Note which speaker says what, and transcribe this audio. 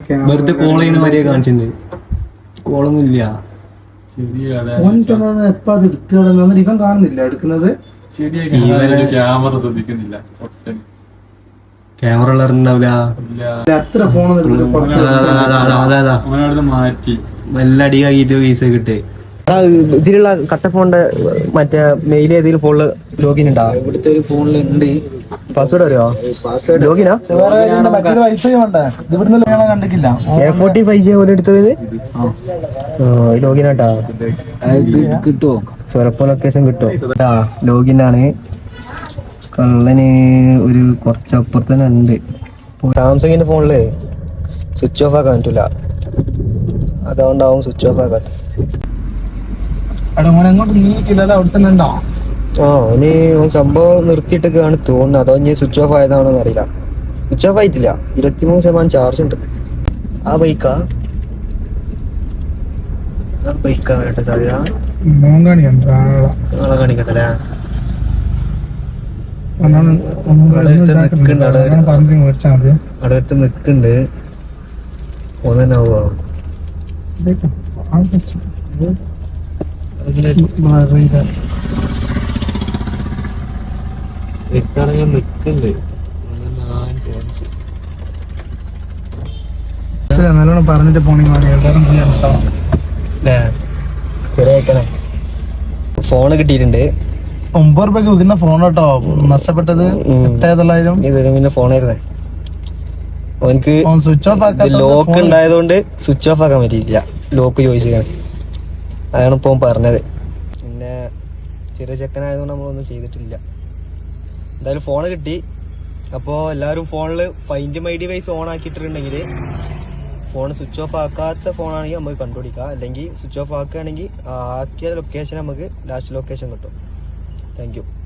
Speaker 1: വെറുതെ കോൾ ചെയ്യുന്ന മാതിരിയെ കാണിച്ചിട്ടുണ്ട്. കോളൊന്നും ഇല്ല.
Speaker 2: എപ്പ അത് എടുത്തു ഇവൻ കാണുന്നില്ല എടുക്കുന്നത്.
Speaker 3: ക്യാമറ ശ്രദ്ധിക്കുന്നില്ല.
Speaker 1: ക്യാമറ ഉള്ളവരുണ്ടാവില്ല.
Speaker 2: എത്ര ഫോൺ
Speaker 3: മാറ്റി
Speaker 1: നല്ല അടി ആക്കിട്ട് പൈസ കിട്ടേ.
Speaker 4: ഇതിലുള്ള കട്ട ഫോണിന്റെ മറ്റേ മെയിൽ ഏതെങ്കിലും ഫോണില് ലോഗിൻ ഉണ്ടാ?
Speaker 2: ഇവിടുത്തെ ഒരു ഫോണിലുണ്ട്.
Speaker 4: പാസ്വേഡ് അറിയോ? ലോഗിനാ
Speaker 2: വൈഫൈ വേണ്ടേ? ഇത് ഇവിടുന്ന് കണ്ടിട്ടില്ല.
Speaker 4: A14 5G പോലെ എടുത്തത് ലോഗിനാട്ടാ.
Speaker 2: കിട്ടുവോ?
Speaker 4: ചൊരപ്പ ലൊക്കേഷൻ കിട്ടുമോ? ലോഗിൻ ആണ്. കള്ളന് ഒരു കുറച്ചപ്പുറത്ത് തന്നെ ഉണ്ട്. സാംസങ്ങിന്റെ ഫോണില് സ്വിച്ച് ഓഫ് ആക്കാൻ പറ്റൂല. അതുകൊണ്ടാവും സ്വിച്ച് ഓഫ് ആക്കാത്ത.
Speaker 2: അങ്ങോട്ട് നീക്കില്ലല്ലോ, അവിടെ തന്നെ ഉണ്ടോ?
Speaker 4: ഇനി സംഭവം നിർത്തിയിട്ടൊക്കെയാണ് തോന്നുന്നത്. അതോ ഇനി സ്വിച്ച് ഓഫ് ആയതാണോ അറിയില്ല. സ്വിച്ച് ഓഫ് ആയിട്ടില്ല. 23% ചാർജ് ഉണ്ട്. ആ ബൈക്കാ വേണ്ട സാധ്യത. നാളെ കാണിക്കട്ടല്ലേ. അടുത്ത് നിക്കുന്നുണ്ട്. ഒന്നാവോ
Speaker 2: നല്ലോണം പറഞ്ഞിട്ട് പോണെങ്കിൽ
Speaker 4: ഫോണ് കിട്ടിയിട്ടുണ്ട്.
Speaker 2: 9 രൂപയ്ക്ക് വിൽക്കുന്ന ഫോൺ കേട്ടോ. നഷ്ടപ്പെട്ടത് 8,900
Speaker 4: ഫോണായിരുന്നേ. അവനക്ക്
Speaker 2: സ്വിച്ച് ഓഫ് ആക്കാൻ
Speaker 4: ലോക്ക് ഉണ്ടായതുകൊണ്ട് സ്വിച്ച് ഓഫ് ആക്കാൻ പറ്റിയില്ല. ലോക്ക് ചോദിച്ചാണ്. അതാണ് ഇപ്പൊ പറഞ്ഞത്. പിന്നെ ചെറിയ ചെക്കനായതുകൊണ്ട് നമ്മളൊന്നും ചെയ്തിട്ടില്ല. എന്തായാലും ഫോണ് കിട്ടി. അപ്പോ എല്ലാവരും ഫോണില് ഫൈൻഡ് മൈ ഡിവൈസ് ഓൺ ആക്കിയിട്ടുണ്ടെങ്കിൽ ഫോൺ സ്വിച്ച് ഓഫ് ആക്കാത്ത ഫോണാണെങ്കിൽ നമുക്ക് കണ്ടുപിടിക്കാം. അല്ലെങ്കിൽ സ്വിച്ച് ഓഫ് ആക്കുകയാണെങ്കിൽ ആക്കിയ ലൊക്കേഷൻ നമുക്ക് ലാസ്റ്റ് ലൊക്കേഷൻ കിട്ടും. Thank U.